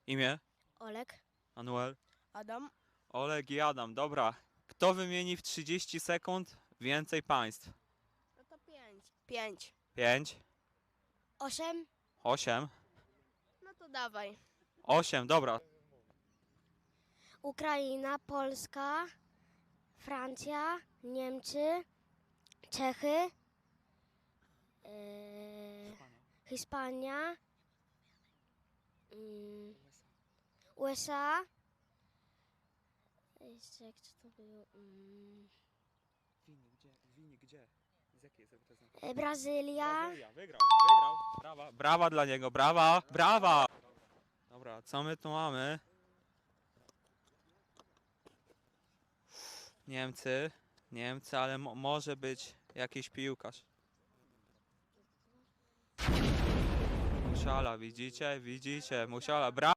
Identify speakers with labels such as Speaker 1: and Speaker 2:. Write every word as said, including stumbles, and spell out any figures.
Speaker 1: Imię?
Speaker 2: Olek.
Speaker 1: Manuel?
Speaker 2: Adam.
Speaker 1: Oleg i Adam, dobra. Kto wymieni w trzydzieści sekund więcej państw?
Speaker 2: No to pięć. Pięć.
Speaker 1: pięć,
Speaker 2: Osiem.
Speaker 1: osiem,
Speaker 2: No to dawaj.
Speaker 1: osiem, dobra.
Speaker 2: Ukraina, Polska, Francja, Niemcy, Czechy, yy, Hiszpania, yy, U S A. Jeszcze jak to było? Yy,
Speaker 1: Wini, gdzie? Wini, gdzie? Z jakiej jest reprezentacji?
Speaker 2: yy, Brazylia.
Speaker 1: Brazylia, wygrał, wygrał. Brawa, brawa dla niego, brawa, brawa. Dobra, co my tu mamy? Niemcy, Niemcy, ale mo może być jakiś piłkarz. Musiala, widzicie, widzicie, Musiala, brawa.